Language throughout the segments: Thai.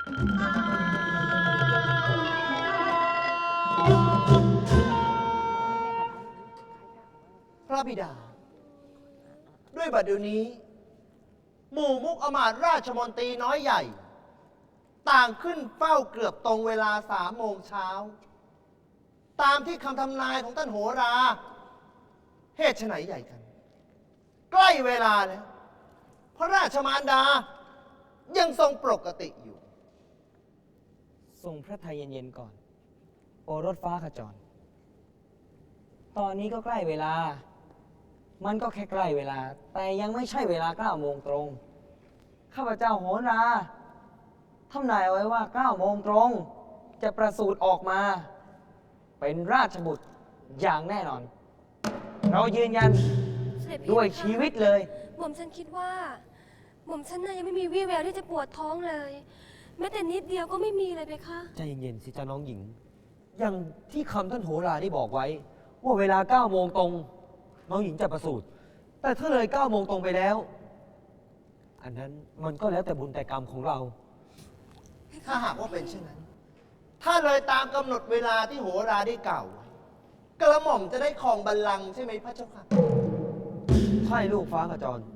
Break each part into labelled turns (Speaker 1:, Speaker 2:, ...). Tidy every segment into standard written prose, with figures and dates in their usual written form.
Speaker 1: พระบิดาด้วยบัดเดี๋ยวนี้หมู่มุกอมาตย์ราชมนตรีน้อยใหญ่ต่างขึ้นเฝ้าเกือบตรงเวลา3 โมงเช้าตามที่คำทำนายของท่านโหราเหตุไฉนใหญ่กันใกล้เวลาแล้วพระราชมารดายังทรงปกติอยู่
Speaker 2: ทรงพระทัยเย็นๆก่อนโอรสฟ้าขจรตอนนี้ก็ใกล้เวลามันก็แค่ใกล้เวลาแต่ยังไม่ใช่เวลา9 โมงตรงข้าพเจ้าโหราทำนายเอาไว้ว่า9 โมงตรงจะประสูติออกมาเป็นราชบุตรอย่างแน่นอนเรายืนยันด้วยชีวิตเลย
Speaker 3: หม่อมฉันคิดว่าหม่อมฉันน่ะยังไม่มีวี่แววที่จะปวดท้องเลยแม้แต่นิดเดียวก็ไม่มีเลยเพคะ
Speaker 2: ใจเย็นๆสิจ้าน้องหญิงอย่างที่คำท่านโหราได้บอกไว้ว่าเวลา9 โมงตรงน้องหญิงจะประสูติแต่ถ้าเลย9 โมงตรงไปแล้วอันนั้นมันก็แล้วแต่บุญแต่กรรมของเรา
Speaker 1: ถ้าหากว่าเป็นเช่นนั้นถ้าเลยตามกำหนดเวลาที่โหราได้กล่าวไว้กระหม่อมจะได้ครองบัลลังก์ใช่ไหมพระเจ้าค่ะ
Speaker 2: ใช่ลูกฟ้าขจร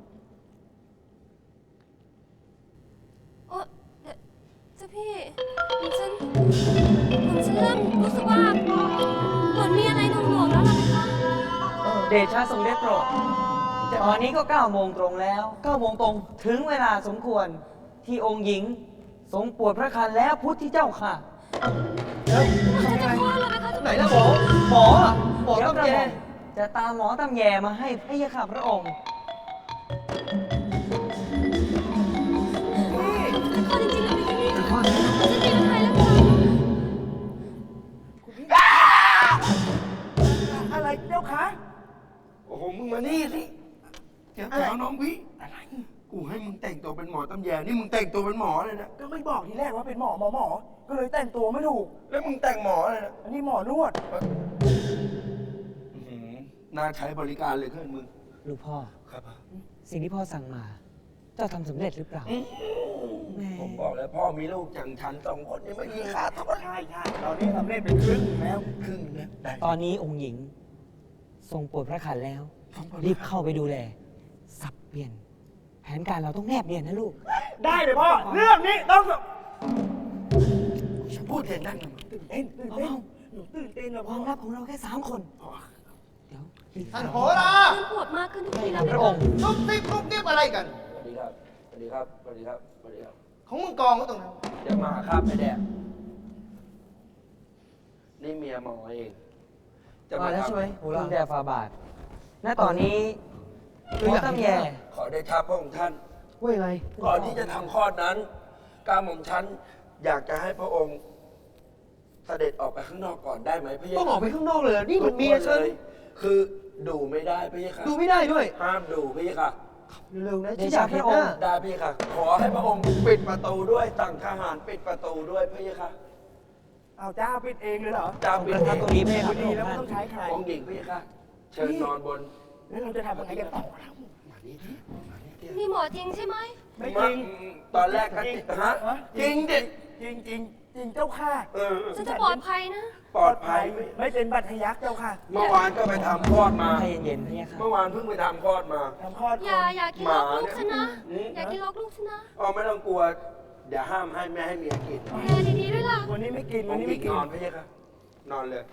Speaker 3: โอ้เจ้าพี่หม่อมฉันเริ่มรู้สึกว่าเหมือนมีอะไรหน่วงๆแล้วล่ะเพคะ
Speaker 2: เดชะทรงได้โปรดตอนนี้ก็9 โมงตรงแล้ว9 โมงตรงถึงเวลาสมควรที่องค์หญิงทรงปวดพระคันแล้วพุทธเจ้าค่ะ
Speaker 3: ฉันจะคลอดแล้วเพคะ
Speaker 1: ไหนล่ะหมอตำแย
Speaker 2: จะตามหมอตำแยมาให้พระยาค่ะพระองค์
Speaker 3: จะคลอดจริงๆเหรอเพคะเนี่ยจะมีอะไรแล้วค่ะ
Speaker 4: อะไรเจ้าคะ
Speaker 5: โอ้โห มึงมานี่สิเจ้าสาวน้องวิอะไร กูให้มึงแต่งตัวเป็นหมอตำแยนี่มึงแต่งตัวเป็นหมอเลยนะ
Speaker 4: ก็ไม่บอกทีแรกว่าเป็นหมอก็เลยแต่งตัวไม่ถูก
Speaker 5: แล้วมึงแต่งหมออะไรนะ
Speaker 4: อันนี้หมอนวด
Speaker 5: น่าใช้บริการเลยเพื่อนมึง
Speaker 2: ลูกพ่อ
Speaker 5: ครับ
Speaker 2: สิ่งที่พ่อสั่งมาเจ้าทำสำเร็จหรือเปล่า
Speaker 5: ผมบอกแล้วพ่อมีลูกอย่างฉัน2 คนนี่ไม่มีขาดเท่ากัน
Speaker 4: ใช่ตอนนี้สำเร็จเป็นครึ่งแล้ว
Speaker 5: ครึ่งนะได้
Speaker 2: ตอนนี้องค์หญิงทรงปวดพระคันแล้วรีบเข้าไปดูแลสับเปลี่ยนแผนการเราต้องแนบเนียนนะลูก
Speaker 4: ได้เลยพ่อเรื่องนี้ต้อง
Speaker 5: ฉันพูดเองนั่ง
Speaker 4: ตื่นเต้นหนูตื่นเต้นนะ
Speaker 2: ค
Speaker 4: พ่อ
Speaker 2: วามลับของเราแค่3 คนเดี๋ยว
Speaker 1: ท่านโหรา
Speaker 3: มันปวดมากขึ้นทุกทีแล้ว
Speaker 2: พระองค์
Speaker 1: ซุบซิบอะไรกัน
Speaker 5: สวัสดีครับสวัสดีครับสวัสดีครับสวัสดีครับ
Speaker 1: ของมึงกองไว้ตรงนั้น
Speaker 5: จะมาครับไอ้แดกนี่เมียหมอเอง
Speaker 2: จะมาแล้วใช่ไหมคุณแดฟาบาทณตอนนี้หมอตำแย
Speaker 5: ขอได้ทับพระองค์ท่าน
Speaker 2: ว่าไง
Speaker 5: ก่อนที่จะทำคลอดนั้นก้าหม่อมฉันอยากจะให้พระองค์เสด็จออกไปข้างนอกก่อนได้ไหมพระเยซู
Speaker 1: ต้องออกไปข้างนอกเลยนี่มันเมียฉัน
Speaker 5: คือดูไม่ได้พระเยซู
Speaker 1: ดูไม่ได้ด้วย
Speaker 5: ห้ามดูพระเยซู
Speaker 1: เร็วๆนะที่อยากเห็นหน้า
Speaker 5: ได้พระเยซูขอให้พระองค์ปิดประตูด้วยสั่งทหารปิดประตูด้วยพระเยซู
Speaker 4: เอาเจ้าปิดเองเลยเหรอ
Speaker 5: เจ้าปิดเอง
Speaker 2: ตรงนี้ไม่ครับ
Speaker 4: ดีแล้วไม่ต้องใช้ใคร
Speaker 5: องค์หญิงพระเยซูเชิญนอนบน
Speaker 4: แล้วเราจะทำยังไงกันต่อ
Speaker 3: นี่หมอจริงใช่ไหม
Speaker 4: ไม่จริง
Speaker 5: ตอนแรกก็ฮะจริงดิ
Speaker 4: จริงเจ้าค่ะ
Speaker 3: ฉันจะปลอดภัยนะ
Speaker 5: ปลอดภัย
Speaker 4: ไม่เป็นบัตรทะยักเจ้าค่ะ
Speaker 5: เมื่อวานก็ไปทำคลอดมา
Speaker 2: เย็นๆเนี่ยค่ะ
Speaker 5: เมื่อวานเพิ่งไปทำคลอดมา
Speaker 4: ทำคลอด
Speaker 3: อย่ากินลกลูกฉันนะอย่ากินลกลูกฉันนะ
Speaker 5: ไม่ต้องกลัวเดี๋ยวห้ามให้แม่ให้เมียกิน
Speaker 3: แม่ดีๆด้วยล่ะ
Speaker 4: วันนี้ไม่กินวันนี้ไม่กิน
Speaker 5: นอนพี่ค่ะนอนเลย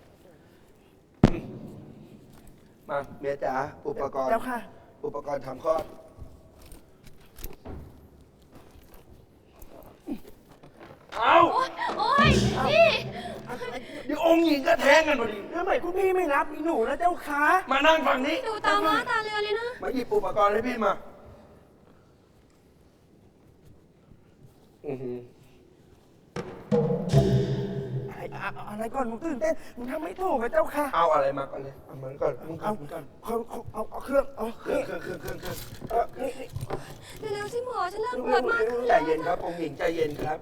Speaker 5: มาเมียจ๋าอุปกรณ์
Speaker 4: เจ้าค่ะ
Speaker 5: อุปกรณ์ทำคลอดเอา
Speaker 3: โอ๊ยพี่
Speaker 5: เดี๋ยวองค์หญิงก็แท้งกันพอดี
Speaker 4: ทำไมคุณพี่ไม่รับหนูนะเจ้าค่ะ
Speaker 5: มานั่งฝั่งนี้
Speaker 3: ดูตาม้าตาเรือเลยนะ
Speaker 5: มาหยิบอุปกรณ์ให้พี่มา
Speaker 4: อะไรก่อนมึงตื่นเต้นมึงทำไม่ถูกกับเจ้าค่ะ
Speaker 5: เอาอะไรมาก่อนเลยเอามันก่อน
Speaker 4: เอาเครื่อง
Speaker 3: เร็วๆสิหมอฉันเริ่มปวดมากขึ้น
Speaker 5: ใจเย็นครับองค์หญิงใจเย็นครับ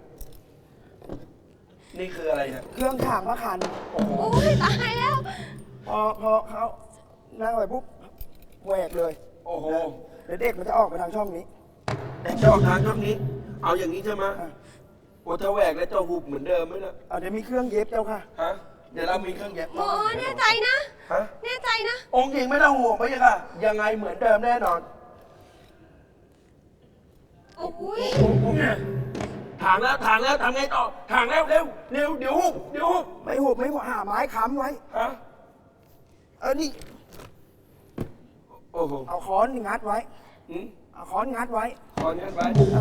Speaker 5: นี่คืออะไรเนี่ย
Speaker 4: เครื่องถางพระคัน
Speaker 3: โอ้ยตายแล้ว
Speaker 4: พอเขานั่งไปปุ๊บแหวกเลย
Speaker 5: โอ้โห
Speaker 4: เดี๋ยวเด็กมันจะออกไปทางช่องนี้
Speaker 5: เด็กจะออกทางช่องนี้เอาอย่างนี้ใช่ไหมโอ้ถ้าแหวกแล้วจะหุบเหมือนเดิมไหมล่ะ
Speaker 4: เอาเดี๋ยวมีเครื่องเย็บเจ้าค่ะ
Speaker 5: ฮะเดี๋ยวเรามีเครื่องเย็บ
Speaker 3: หมอแน่ใจนะ
Speaker 5: ฮะ
Speaker 3: แน่ใจนะ
Speaker 5: องค์หญิงไม่ต้องห่วงพะยะค่ะยังไงเหมือนเดิมแน่นอน
Speaker 3: โอ้ย
Speaker 5: ถางแล้วทำไงต่อถางแล้วเร็วเดี๋ยวหุบ
Speaker 4: ไม่หุบหาไม้ค้ำไว้
Speaker 5: ฮะ
Speaker 4: นี่
Speaker 5: โอ้โห
Speaker 4: เอาค้อนงัดไว้
Speaker 5: อืม
Speaker 4: เอาค้อนงัดไว้
Speaker 5: ขอเนี้ยไป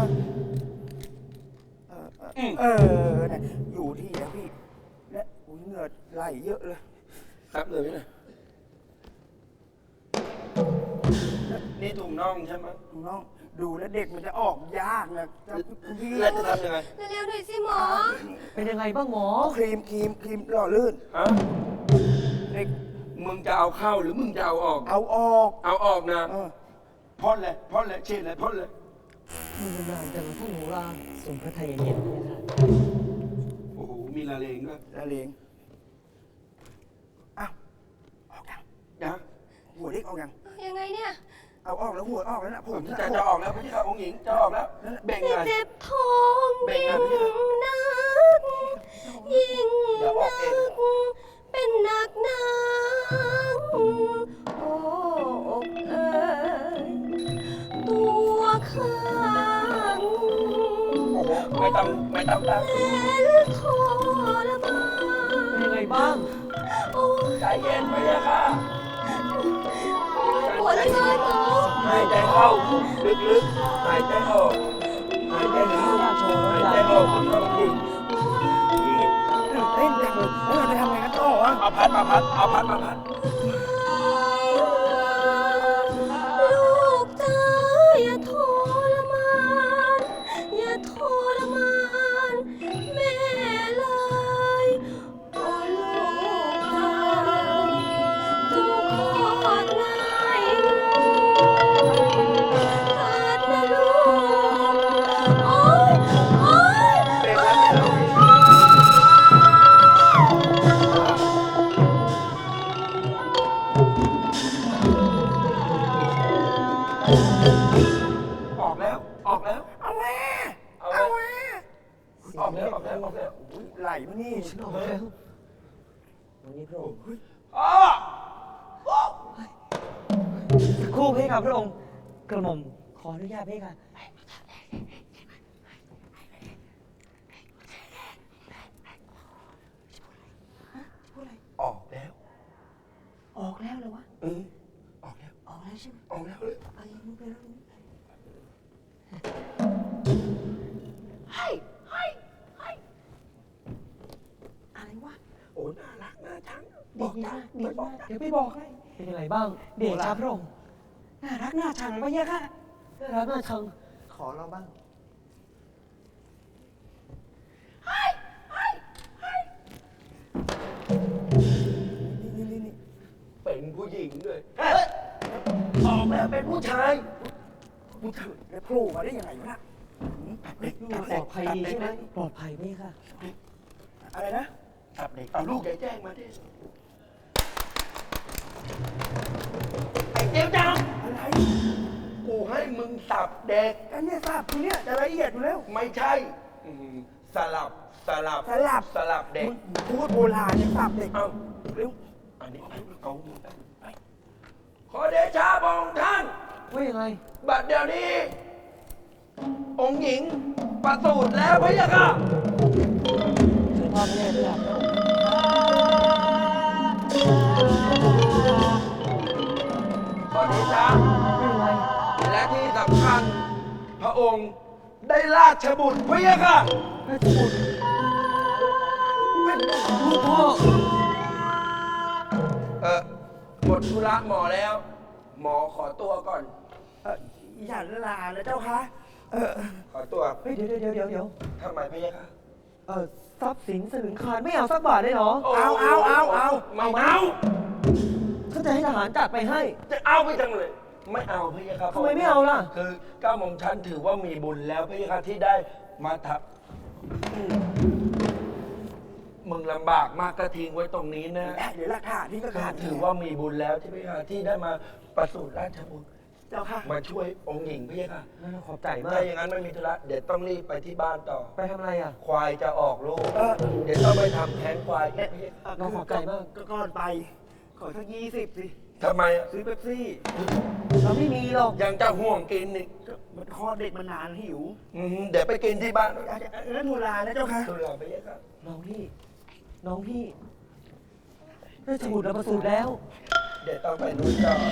Speaker 4: เนี่ยอยู่ที่แล้วพี่ และอุ้ยเหงื่อไหลเยอะเลย
Speaker 5: ครับเลยนะนี่ถุงน่องใช่ไหม
Speaker 4: น้องดูแล้วเด็กมันจะออกยากนะเจ้าคุณพี่
Speaker 5: แล้วจะทำยังไง
Speaker 3: เร็วๆหน่อยสิหมอ
Speaker 2: เป็นยังไงบ้างหมอ
Speaker 4: ครีมหล่อลื่น
Speaker 5: ฮะ
Speaker 4: เด็ก
Speaker 5: มึงจะเอาเข้าหรือมึงจะเอาออก
Speaker 4: เอาออก
Speaker 5: เอาออกนะ
Speaker 4: เออ
Speaker 5: พ่นเลยเช่นเลยพ่นเลย
Speaker 2: มีเวลาจังท่านหนูราทรงพระทัยเย็นๆเลยค่ะ
Speaker 5: โอ้โหมีละเลงด้วย
Speaker 4: ละเลงอ้าวออกยัง
Speaker 5: นะ
Speaker 4: หัวเด็กออกยัง
Speaker 3: ยังไงเนี่ย
Speaker 4: เอาออกแล้วหัวออกแล้วนะผม
Speaker 5: จะออกแล้วพี่ค่ะองค์หญิงจะออกแล้วเบ่งไง
Speaker 3: เจ็บท้อง
Speaker 5: เบ่ง
Speaker 3: ยิ่
Speaker 5: ไง
Speaker 3: งนักยิ่ง
Speaker 5: เดี๋ยวอ
Speaker 3: นั
Speaker 5: อกเอง
Speaker 3: กเป็นหนักหนักโอ้อกเอ๋ยตัวข้าง
Speaker 5: โอ้โหไม่ต้องตั้ง
Speaker 3: แสนทรมาน
Speaker 2: เป็นยังไงบ้าง
Speaker 3: โอ้ย
Speaker 5: ใจเย็นไปเลยค่ะ
Speaker 3: ปวดเหลือเกินหมอ
Speaker 5: หายใจเข้าลึกๆหายใจออกหายใจเข้าหายใจออกคุณองค์หญิง
Speaker 4: ตื่นเต้นจังเลยแล้วเราจะทำไงกันต่อวะ
Speaker 5: เอาพัดมาพัด
Speaker 3: ลูกจ๋าอย่าทรมานอย่าทรมานแม่เลยโอ้ลูกจ๋าจงคลอดง่ายเถิดนะลูกโอ๊ยโอ๊ย
Speaker 5: เบ่งแล้วเนี่ยออกแล้ว
Speaker 4: เอาแม่
Speaker 5: เอาแล้
Speaker 4: เอา
Speaker 5: ว
Speaker 4: แม่
Speaker 5: ออกแล้ว
Speaker 4: อุ๊ยไหลมานี่
Speaker 2: ออกแล้ววันนี้พระองค์
Speaker 5: อ้อ
Speaker 2: สักครู่เพคะพระองค์ กระหม่อมขออนุญาตเพคะ
Speaker 5: ออกแล้ว
Speaker 2: ออกแล้วเหรอวะ
Speaker 5: ออกแล้ว
Speaker 2: ออกแล้วใช่ไหม
Speaker 5: ออกแล้วเลย
Speaker 2: ไอ้มึงไปแล้วมึงอะไรวะ
Speaker 5: โอ้น่ารักน่าชัง
Speaker 2: ดีมากดีมากเดี๋ยวไปบอกให้ เป็นยังไงบ้าง เดชาพระองค์ น่ารักน่าชังปะเนี่ยค่ะ น่ารักน่าชัง
Speaker 1: ขอเราบ้าง
Speaker 4: นี่
Speaker 5: เป็นผู้หญิงด้วยออกแล้วเป็นผู้ชาย
Speaker 4: แล้วโผล่มาได้ยังไงวะน่ะ
Speaker 2: ปลอดภัยดีใช่ไหมปลอดภัยไหมค่ะ
Speaker 4: อะไรนะ
Speaker 5: จับเด็กเอาลูกยายแจ้งมาดิไอ้เจ้าจัง
Speaker 4: อะไร
Speaker 5: กูให้มึงสับเด็ก
Speaker 4: กันเนี่ยทราบทีเนี่ยจะละเอียดอยู่แล้ว
Speaker 5: ไม่ใช่สลับ
Speaker 4: สลับ
Speaker 5: เด็ก
Speaker 4: มึงพูดโบราณยังสับเด็ก
Speaker 5: เอา
Speaker 4: เร็ว
Speaker 5: อันนี้เอาไปขอเดชาบองค์ท่าน
Speaker 2: ว่ายังไง
Speaker 5: บัดเดี๋ยวนี้ องค์หญิงประสูติแล้วพะยะค่ะ
Speaker 2: เชิญพ่อแม่ด้วยพระองค์
Speaker 5: ขอเดชา
Speaker 2: ไม่เป็นไร
Speaker 5: และที่สำคัญ พระองค์ได้ราชบุตรพะยะค่ะ
Speaker 2: ราชบุตรลูกพ่อ
Speaker 5: หมดธุระหมอแล้ว หมอขอตัวก่อน
Speaker 4: อย่าลานะเจ้าคะเออ
Speaker 5: ขอตัว
Speaker 2: เฮ้ยเดี๋ยว
Speaker 5: ทำไมพะยะค่ะ
Speaker 2: ทรัพย์สินสลึงคานไม่เอาสักบาทได้เหรอ
Speaker 4: เอา
Speaker 5: ไม่เอา
Speaker 2: เขาจะให้ทหารจัดไปให้
Speaker 5: จะเอาไปจังเลย ไม่เอาพะยะค่ะ
Speaker 2: ทำไมไม่เอาล่ะ
Speaker 5: คือเก้าโมงชันถือว่ามีบุญแล้วพะยะค่ะที่ได้มาทับมึงลำบากมากก็ทิ้งไว้ตรงนี้นะ
Speaker 4: เดี๋ยวหลักฐานนี่ก็ขาด
Speaker 5: ถือว่ามีบุญแล้วที่พะยะค่ะที่ได้มาประสูติราชบุตร
Speaker 4: เจ้าค่ะ
Speaker 5: มาช่วยองค์หญิงพี่ค่ะ
Speaker 2: นั่นขอบใจมา
Speaker 5: ถ้าก อย่างนั้นไม่มีธุระเดี๋ยวต้องรีบไปที่บ้านต่อ
Speaker 2: ไปทำอะไรอ่ะ
Speaker 5: ควายจะออกลูกเดี๋ยวต้องไปทำแท้งควายอีกพี่
Speaker 2: น้องขอบใจมาก
Speaker 4: ก็ก่อนไป ขอสัก20สิ
Speaker 5: ทำไมอะ
Speaker 4: ซื้อเป๊ปซี่
Speaker 2: เราไม่มีหรอก
Speaker 5: ยังจะห่วงกินอีก
Speaker 4: มันคลอดเด็กมานานหิว
Speaker 5: เดี๋ยวไปกินที่บ้าน
Speaker 4: แล้วทูลานะเจ้าค่ะ
Speaker 5: ธุระไปเยอะครับ
Speaker 2: น้องพี่ได้สมุดเราประสูติแล้ว
Speaker 5: เดี๋ยวต้องไปนู่นต่อ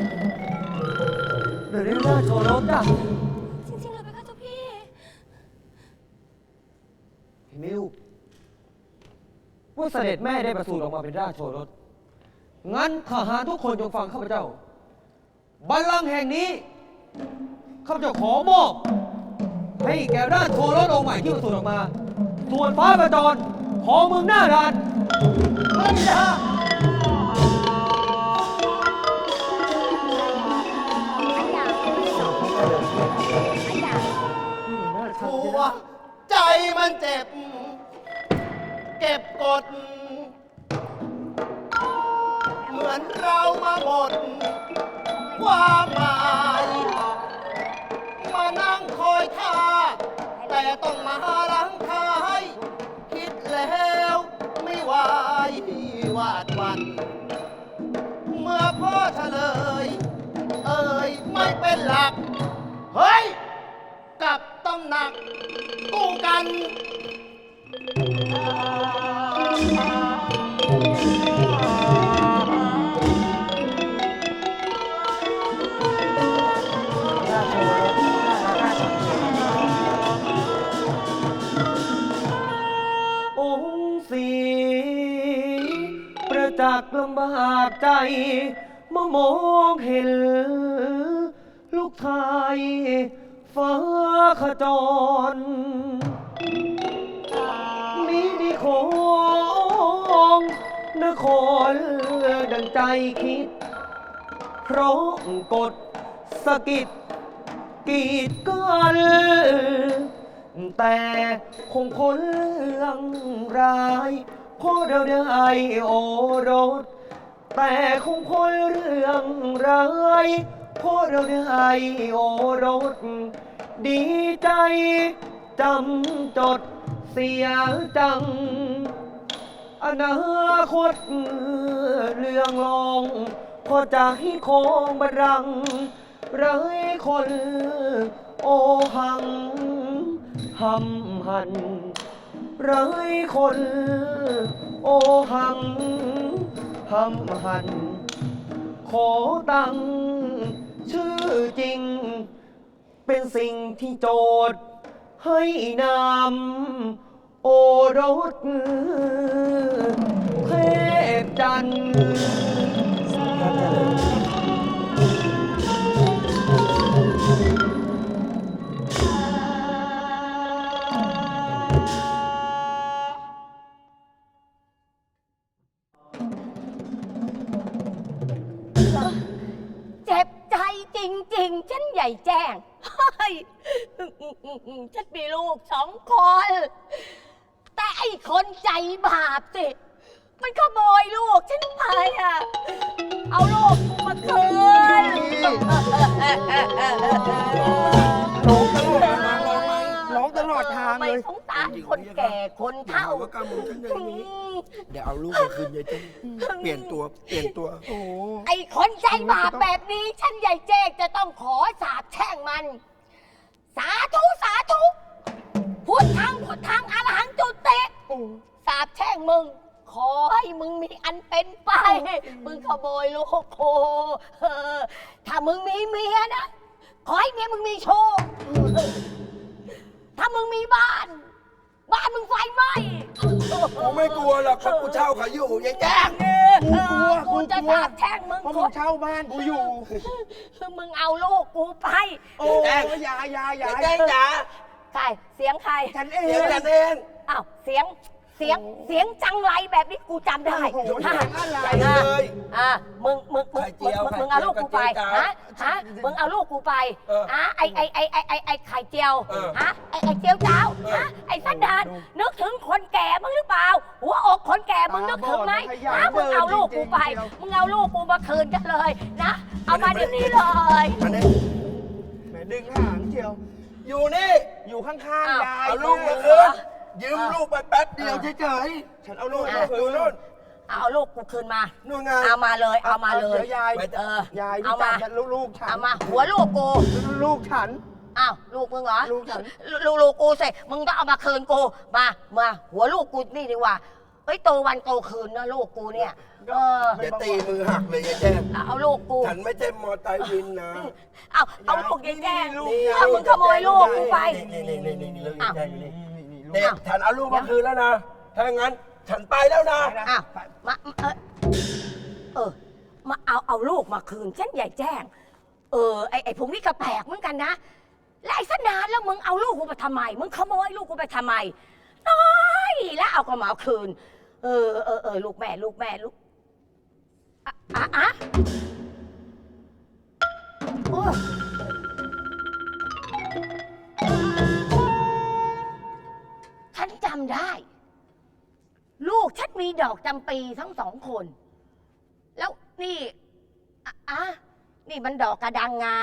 Speaker 2: เดี๋ยวได้ราชโชรสจ้ะ
Speaker 3: จริงๆเลยไหมคะเจ้าพี่
Speaker 2: พี่มิวว่าเสด็จแม่ได้ประสูติออกมาเป็นราชโชรส งั้นทหารทุกคนจงฟังข้าพเจ้า บัลลังก์แห่งนี้ ข้าพเจ้าขอมอบ ให้แก่ราชโชรสองค์ใหม่ที่ประสูติออกมา ส่วนฟ้าประจรขอเมืองหน้าด่านพระบิดา
Speaker 1: หัวใจมันเจ็บ เก็บกด เหมือนเรามาหมดความหมายมานั่งคอยท่า แต่ต้องมาลังทาย คิดแล้วไม่ไหววาดวัน เมื่อพ่อเฉลย เอ่ยไม่เป็นหลัก เฮ้ย กับต้องหนักกู้กัน
Speaker 2: องค์สีประจักษ์ลำบากใจเมื่อมองเห็น ลูกชายฟ้าขจรมีดีของนครดังใจคิด เพราะกฎสะกิดกีดกันแต่คงคนเรื่องร้ายเพราะเราได้โอรส แต่คงคนเรื่องร้ายเพราะเราได้โอรส ดีใจจำจดเสียจัง อนาคตเรื่องลองพอจะให้คงบัลลังก์ไร้คนโอหังหำหันไร้คนโอหังหำหัน ขอตั้งชื่อจริง เป็นสิ่งที่โจทย์ให้นำโอรสเทพจันทร์
Speaker 3: เจ็บใจจริงๆ ฉันใหญ่แจ้งเฮ้ยฉันมีลูก2 คน แต่ไอ้คนใจบาปสิ มันขโมยลูกฉันไปอ่ะ เอาลูกกูมาคืน
Speaker 4: ร้องตลอดทาง
Speaker 3: ไม่
Speaker 4: เลย
Speaker 3: สงสารคนแก่คนเฒ่า
Speaker 5: ว่าการมึงฉันอย่างนี้ เดี๋ยวเอาลูกไปคืนยายเจ้เปลี่ยนตัว
Speaker 4: โอ้
Speaker 3: ไอ้คนใจบาปแบบนี้ ฉันใหญ่เจ๊กจะต้องขอสาบแช่งมัน สาธุสาธุพุทธังอรหังจุติสาบแช่งมึง ขอให้มึงมีอันเป็นไป มึงขโมยลูกโคถ้ามึงมีเมียนะ ขอให้เมียมึงมีโชค ถ้ามึงมีบ้านมึงไฟไหม้
Speaker 5: กูไม่กลัวหรอกเพราะกูเช่าเขาอยู่ยายแจ้ง
Speaker 3: กูจะสาบแช่งมึง
Speaker 4: เพราะมึงเช่าบ้านกูอยู่
Speaker 3: มึงเอาลูกกูไป
Speaker 4: โอ้ยอยา
Speaker 5: ยายแจ้งจ๋า
Speaker 3: ใครเสียงใคร
Speaker 4: ฉันเอ
Speaker 5: เดี๋ยว
Speaker 4: ง
Speaker 5: ฉันเอง
Speaker 3: อ้าวเสียงจังไรแบบนี้กูจำได้
Speaker 4: โอ้โห
Speaker 3: ฮะ
Speaker 5: ไป
Speaker 3: ฮะ
Speaker 5: เลย
Speaker 3: มึง
Speaker 5: ไข่เจียว
Speaker 3: เอาลูกกูไป
Speaker 5: ไข่เจียว
Speaker 3: ฮะมึงเอาลูกกูไป
Speaker 5: เออ
Speaker 3: ไอไข่เจียว
Speaker 5: เออ
Speaker 3: ฮะไอเจียวเจ้า
Speaker 5: เออ
Speaker 3: ฮะไอสันดานนึกถึงคนแก่มึงหรือเปล่า หัวอกคนแก่มึงนึกถึงไหมนะมึงเอาลูกกูไปมึงเอาลูกกูมาคืนกันเลยนะเอามาเดี๋ยวนี้เลย
Speaker 5: มาเนี่ย
Speaker 4: แหมดึงหางเชียว
Speaker 5: อยู่นี่
Speaker 4: อยู่ข้างๆยาย
Speaker 5: เอาลูกมาคืนยืมลูกไปแป๊บเดียวเฉย
Speaker 4: ฉันเอาลูก
Speaker 5: ๆ
Speaker 4: มาคื
Speaker 5: ดู
Speaker 4: น
Speaker 5: นู่น
Speaker 3: เอาลูกกูคืนมา
Speaker 5: นู่นไง
Speaker 3: เอามาเลยเอามาเลย
Speaker 4: ดี๋วยาย
Speaker 3: เออย
Speaker 4: าย
Speaker 3: เอา
Speaker 4: พี่
Speaker 3: มา
Speaker 4: จับลูกฉัน
Speaker 3: เอามาหัวลูกกู
Speaker 4: ลูกฉัน
Speaker 3: อ้าวลูกมึงเหรอ
Speaker 4: ลูกฉัน
Speaker 3: ลูกกูสิมึงก็เอามาคืนกูมาหัวลูกกูนี่ดีกว่าเฮ้ยโตวันโตคืนนะลูกกูเนี่ย
Speaker 5: เดี๋ยวตีมือหักเลยยายแจ้ง
Speaker 3: เอาลูกกู
Speaker 5: ฉันไม่ใช่มอไซค์วินนะ
Speaker 3: เอาลูกยายแจ้ง
Speaker 5: นี่
Speaker 3: เอามึงขโมยลูกกูไป
Speaker 5: นี่ลูกยายแจ้งอยู่นี่
Speaker 4: นี่
Speaker 5: เนี่ยฉันเอาลูกมาคืนแล้วนะ ถ้างั้นฉันไปแล้วนะ
Speaker 3: อ้าวมามาเอาลูกมาคืนฉันใหญ่แจ้งไอ้พวกนี้ก็แปลกเหมือนกันนะและไอ้สนานแล้วมึงเอาลูกกูไปทำไมมึงขโมยลูกกูไปทำไมน้อยแล้วเอาก็มาเอาคืนลูกแม่ลูกโอ้ฉันจำได้ ลูกฉันมีดอกจำปีทั้งสองคน แล้วนี่นี่มันดอกกระดังงา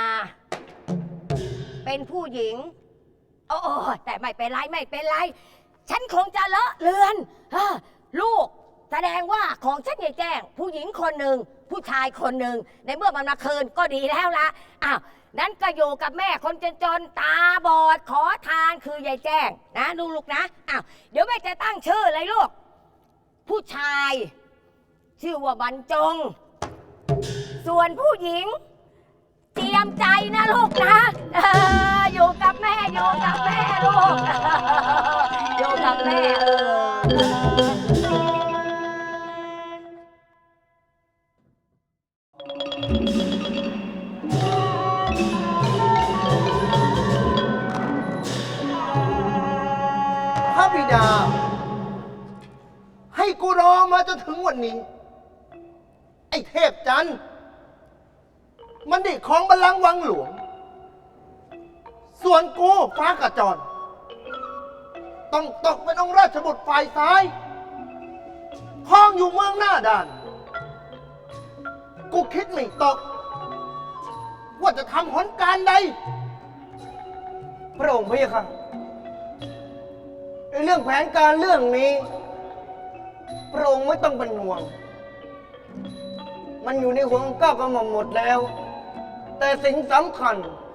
Speaker 3: เป็นผู้หญิงโอ้แต่ไม่เป็นไร ฉันคงจะเลอะเลือนลูกแสดงว่าของฉันใหญ่แจ้ง ผู้หญิงคนหนึ่งผู้ชายคนหนึ่งในเมื่อมันมาคืนก็ดีแล้วละนั้นก็อยู่กับแม่คนจนๆตาบอดขอทานคือยายแจ้งนะลูกนะเดี๋ยวแม่จะตั้งชื่อเลยลูกผู้ชายชื่อว่าบรรจง ส่วนผู้หญิงเตรียมใจนะลูกนะอยู่กับแม่ลูกอยู่กับแม่
Speaker 1: พระบิดา ให้กูรอมาจนถึงวันนี้ ไอ้เทพจันทร์มันได้ของบัลลังก์วังหลวง ส่วนกูฟ้ากระจรต้องตกเป็นองค์ราชบุตรฝ่ายซ้ายครองอยู่เมืองหน้าด่าน กูคิดไม่ตก ว่าจะทำหนการใด
Speaker 4: พระองค์พี่ค่ะในเรื่องแผนการเรื่องนี้ พระองค์ไม่ต้องเป็นห่วง มันอยู่ในหัวของเก้ากระหม่อมหมดแล้ว แต่สิ่งสำคัญ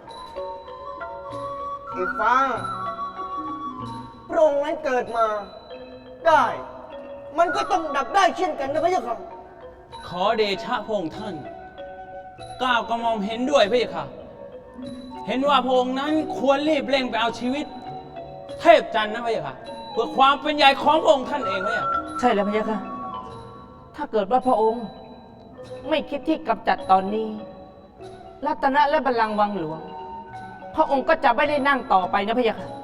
Speaker 4: ไอ้ฟ้า พระองค์นั้นเกิดมาได้ มันก็ต้องดับได้เช่นกันนะพระเจ้าค่ะ
Speaker 6: ขอเดชะพระองค์ท่านก้าวกระหม่อมเห็นด้วยพระเจ้าค่ะ เห็นว่าพระองค์นั้นควรรีบเร่งไปเอาชีวิต เทพจันทร์นะพระเจ้าค่ะ เพื่อความเป็นใหญ่ของพระองค์ท่านเองพระเจ้า
Speaker 7: ใช่แล้วพะยะค่ะ ถ้าเกิดว่าพระองค์ไม่คิดที่กำจัดตอนนี้ รัตนะและบัลลังก์วังหลวง พระองค์ก็จะไม่ได้นั่งต่อไปนะพะยะค่ะ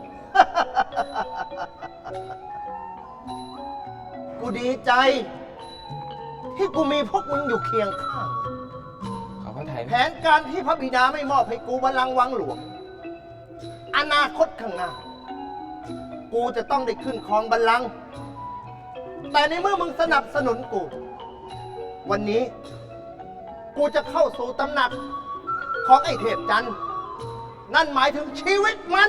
Speaker 1: กูดีใจ ที่กูมีพวกมึงอยู่เคียงข้าง
Speaker 6: ขอพระทัย
Speaker 1: แผนการที่พระบิดาไม่มอบให้กูบัลลังก์วังหลวง อนาคตข้างหน้า กูจะต้องได้ขึ้นครองบัลลังก์แต่ในเมื่อมึงสนับสนุนกู วันนี้ กูจะเข้าสู่ตำหนักของไอ้เทพจันทร์นั่นหมายถึงชีวิตมัน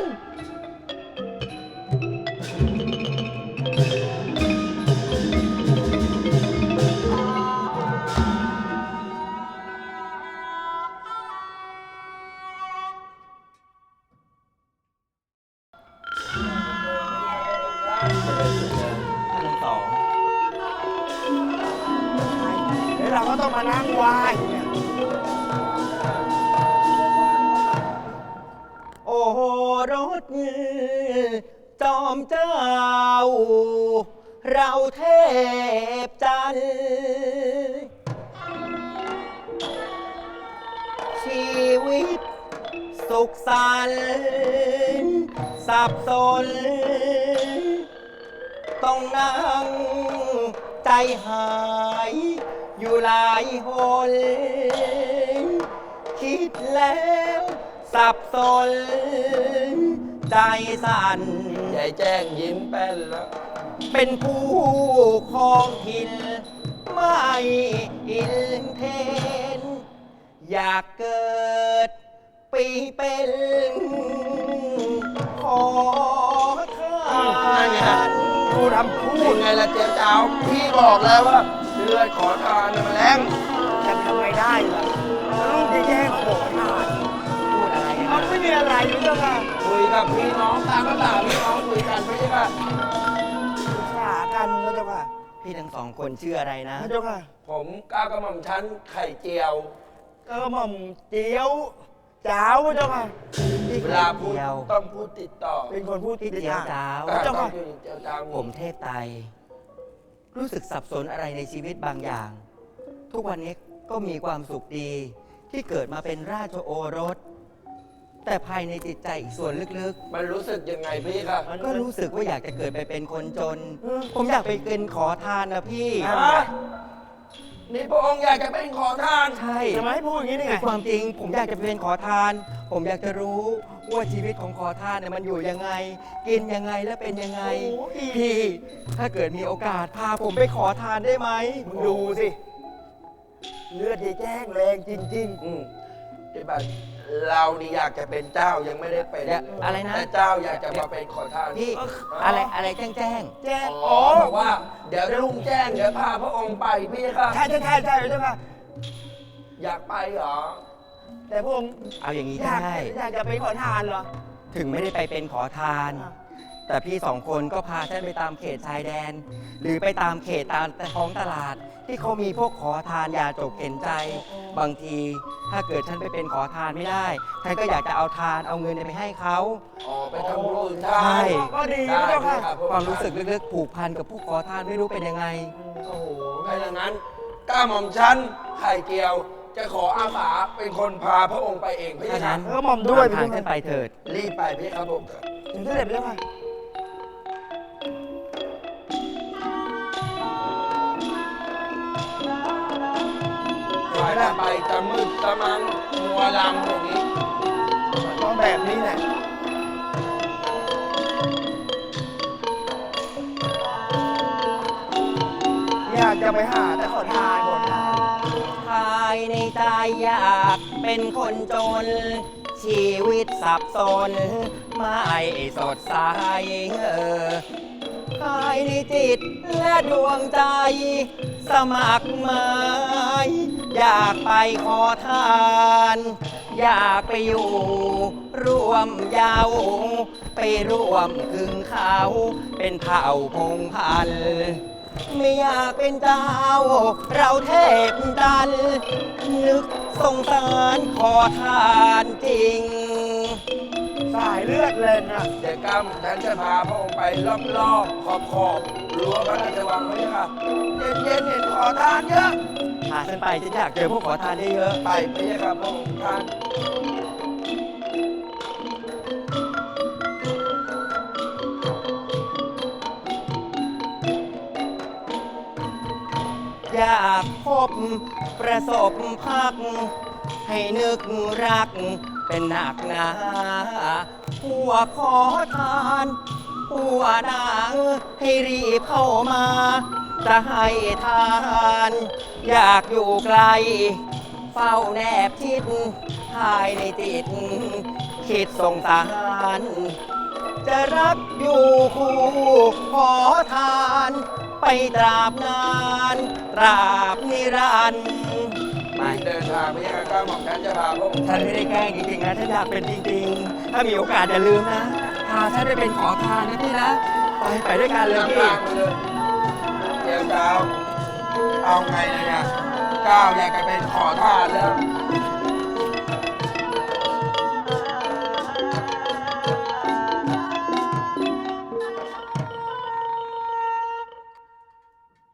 Speaker 4: แล้วเราก็ต้องมานั่งไหว้เนี่ย
Speaker 1: โอ้โหรถจอมเจ้า เราเทพจันทร์ชีวิตสุขสันต์สับสน ต้องนั่งใจหายอยู่หลายหน คิดแล้วสับสนใจสั่น
Speaker 5: ยายแจ้งยิ้มแป้นแล้ว
Speaker 8: เป็นผู้ครองถิ่นไม่อินเทน อยากเกิดปีเป็นขอทา
Speaker 5: นั่นไง
Speaker 8: น
Speaker 5: ดูทำพูดไงล่ะเจ๊เจ้าพี่บอกแล้วว่าเลือดขอทานน่ะมันแรง
Speaker 4: จะทำไม่ได้เหรอลูกจะแย่งขอทาน
Speaker 8: พูดอะไรกัน
Speaker 4: เอาไม่มีอะไรหรือเปล่า
Speaker 5: คุยกับพี่น้องตามภาษาพี่น้องคุยกันไม่ใช่ป่ะ
Speaker 4: ปรึกษากันพระเจ้าค่ะ
Speaker 8: พี่ทั้งสองคนชื่ออะไรนะ
Speaker 4: พระเจ้าค่ะ
Speaker 5: ผมก้าวกระหม่อมชั้นไข่เจียว
Speaker 4: ก็หม่อมเจียวจ้าวพระเจ้าค่ะ
Speaker 5: เวลาพูด
Speaker 8: เจียว
Speaker 5: ต้องพูดติดต่อ
Speaker 4: เป็นคนพูดติ
Speaker 8: พี่
Speaker 4: ด
Speaker 8: เจียว
Speaker 4: ทาง
Speaker 8: จ้าว
Speaker 4: พระเจ้า
Speaker 5: ต้อ
Speaker 4: ค่ะ
Speaker 5: งอยู่เจียวจ้าว
Speaker 8: ผมเทพไตรรู้สึกสับสนอะไรในชีวิตบางอย่าง ทุกวันนี้ก็มีความสุขดีที่เกิดมาเป็นราชโอรส แต่ภายในจิตใจอีกส่วนลึก
Speaker 5: มันรู้สึกยังไงพี่ครับ
Speaker 8: ๆ ก็รู้สึกว่าอยากจะเกิดไปเป็นคนจน ผมอยากไปเป็นขอทานนะพี่
Speaker 5: ฮะนี่พระองค์อยากจะเป็นขอทาน
Speaker 8: ใช่
Speaker 4: จะมาให้พูดอย่างนี้ได้ไง
Speaker 8: ความจริงผมอยากจะเป็นขอทาน ผมอยากจะรู้ว่าชีวิตของขอทานเนี่ยมันอยู่ยังไง กินยังไงและเป็นยังไง
Speaker 4: โอ้ย
Speaker 8: พี่ ถ้าเกิดมีโอกาสพาผมไปขอทานได้ไหม
Speaker 4: มึงดูสิ เลือดยายแจ้งแรงจริง
Speaker 5: ที่บ้านเรานี่อยากจะเป็นเจ้ายังไม่ได้เป็น
Speaker 8: เดี๋ยวอะไรนะ
Speaker 5: แต่เจ้าอยากจะมาเป็นขอทาน
Speaker 8: พี่อะไรแจ้ง
Speaker 4: ๆ แจ้ง
Speaker 5: อ๋อบอกว่า เดี๋ยวลุงแจ้งเดี๋ยวพาพระองค์ไปพี่ครับ
Speaker 4: ใช่พระเจ้าค่ะ
Speaker 5: อยากไปเหรอ
Speaker 4: แต่พระองค์
Speaker 8: เอาอย่างนี้
Speaker 4: อยาก
Speaker 8: ได้
Speaker 4: อยากจะไปขอทานเหรอ
Speaker 8: ถึงไม่ได้ไปเป็นขอทาน แต่พี่สองคนก็พาฉันไปตามเขตชายแดน หรือไปตามเขตตามท้องตลาด ที่เขามีพวกขอทานยาจกเข็นใจ บางทีถ้าเกิดฉันไปเป็นขอทานไม่ได้ฉันก็อยากจะเอาทานเอาเงินไปให้เขา
Speaker 5: อ๋อไปทำบุญทา
Speaker 8: ใช่
Speaker 5: น
Speaker 4: ก็ดี
Speaker 5: ได้
Speaker 4: พระเจ้าค่ะ
Speaker 5: พี่ครับ
Speaker 8: ความรู้สึกลึกๆผูกพันกับผู้ขอทานไม่รู้เป็นยังไง
Speaker 5: โอ้โหถ้าอย่างนั้นก้าหม่อมชั้นไข่เจียว จะขออาสาเป็นคนพาพระองค์ไปเองพี่
Speaker 8: ถ้า
Speaker 5: ครั
Speaker 8: งั้
Speaker 5: บ
Speaker 8: น
Speaker 4: เออหม่อมด้วย
Speaker 8: ตามทางฉันไปเถิด
Speaker 5: รีบไปพี่ครับผม
Speaker 4: ถึงเสด็จไปแล้วค่ะ
Speaker 5: สายจะไปจะมืดจะมันมัวลำอย่างนี้
Speaker 4: ต้องแบบนี้แหละ อยากจะไปหาแต่ขอทานขอทาน
Speaker 8: ภายในใจอยากเป็นคนจน ชีวิตสับสน ไม่สดใสภายในจิตและดวงใจ สมัครหมายอยากไปขอทาน อยากไปอยู่ร่วมเยาวไปร่วมครึ่งเขาเป็นเผ่าพงศ์พันธุ์ไม่อยากเป็นเจ้า เราเทพดัน นึกสงสารขอทานจริง
Speaker 4: สายเลือดเลยนะ
Speaker 5: เดี๋ยวก้าหม่อมชั้นจะพาพระองค์ไปรอบๆขอบรั้วพระราชวังพี่ครับเย็นๆเห็นขอทานเยอะ
Speaker 8: พาฉันไปฉันอยากเจอพวกขอทานเยอะ
Speaker 5: ไปพี่ครับพระองค์ท่าน
Speaker 8: ๆอยากพบประสบพัก ให้นึกรักเป็นหนักหนาหัวขอทานหัวนางให้รีบเข้ามา จะให้ทาน อยากอยู่ไกล เฝ้าแนบชิดภายในจิต คิดสงสาร จะรักอยู่คู่ขอทาน ไปตราบนาน ตราบนิรันดร์ไม่
Speaker 5: เดินทางพี่ครับก้าหม่อมชั้นจะพาพระองค์
Speaker 8: ฉันไม่ได้แกล้งจริงๆนะฉันอยากเป็นจริงๆ ถ้ามีโอกาสอย่าลืมนะพาฉันไปเป็นขอทานนะพี่นะ ไปด้วยกันเลย
Speaker 5: นำ
Speaker 8: พี่
Speaker 5: ทางไปเลยเดี๋ยวเจ้าเอาไงเลยเนี่ยก้าวอยากจะเป็นขอทานแล้ว